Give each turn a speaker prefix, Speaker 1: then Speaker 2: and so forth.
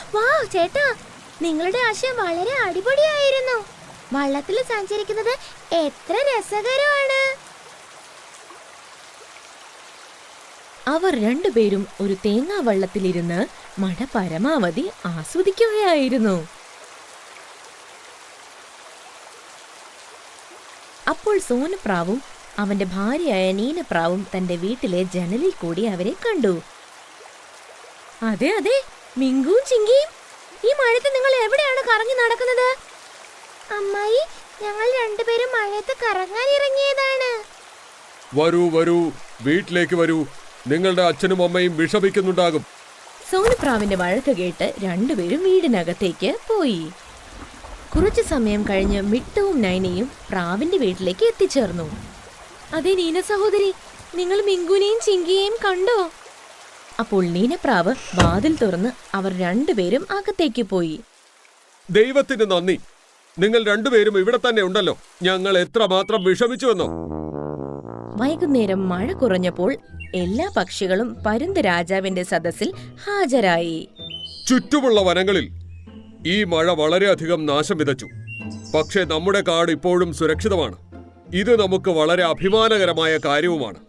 Speaker 1: വാ ചേട്ടാ, നിങ്ങളുടെ ആശയം വളരെ അടിപൊളിയായിരുന്നു. വള്ളത്തിൽ സഞ്ചരിക്കുന്നത് എത്ര രസകരമാണ്.
Speaker 2: അവർ രണ്ടുപേരും ഒരു തേങ്ങാ വള്ളത്തിലിരുന്ന് മഴ പരമാവധി ആസ്വദിക്കുകയായിരുന്നു. അപ്പോൾ സോനപ്രാവും അവന്റെ ഭാര്യയായ നീനപ്രാവും തന്റെ വീട്ടിലെ ജനലിൽ കൂടി അവരെ കണ്ടു. അതെ അതെ, മിങ്കുവും ചിങ്കിയും, ഈ മഴയത്ത് നിങ്ങൾ എവിടെയാണ് കറങ്ങി നടക്കുന്നത്?
Speaker 1: അമ്മായി, ഞങ്ങൾ രണ്ടുപേരും മഴയത്ത് കറങ്ങാൻ ഇറങ്ങിയതാണ്.
Speaker 3: വരൂ വരൂ, വീട്ടിലേക്ക് വരൂ. നിങ്ങളുടെ അച്ഛനും അമ്മയും വിഷമിക്കുന്നുണ്ടാകും.
Speaker 2: സോനപ്രാവിന്റെ വഴക്ക് കേട്ട് രണ്ടുപേരും വീടിനകത്തേക്ക് പോയി. കുറച്ചു സമയം കഴിഞ്ഞ് മിട്ടുവും നൈനയും പ്രാവിന്റെ വീട്ടിലേക്ക് എത്തിച്ചേർന്നു. അതെ നീന സഹോദരി, നിങ്ങൾ മിങ്കുനെയും ചിങ്കിയെയും കണ്ടോ? അപ്പോൾ നീനപ്രാവ് വാതിൽ തുറന്ന് അവർ രണ്ടുപേരും അകത്തേക്ക് പോയി.
Speaker 3: ദൈവത്തിന് നന്ദി, നിങ്ങൾ രണ്ടുപേരും ഇവിടെ തന്നെ ഉണ്ടല്ലോ. ഞങ്ങൾ എത്രമാത്രം വിഷമിച്ചുവെന്നോ.
Speaker 2: വൈകുന്നേരം മഴ കുറഞ്ഞപ്പോൾ എല്ലാ പക്ഷികളും പരുന്ത് രാജാവിന്റെ സദസ്സിൽ ഹാജരായി.
Speaker 3: ചുറ്റുമുള്ള വനങ്ങളിൽ ഈ മഴ വളരെയധികം നാശം വിതച്ചു. പക്ഷേ നമ്മുടെ കാട് ഇപ്പോഴും സുരക്ഷിതമാണ്. ഇത് നമുക്ക് വളരെ അഭിമാനകരമായ കാര്യവുമാണ്.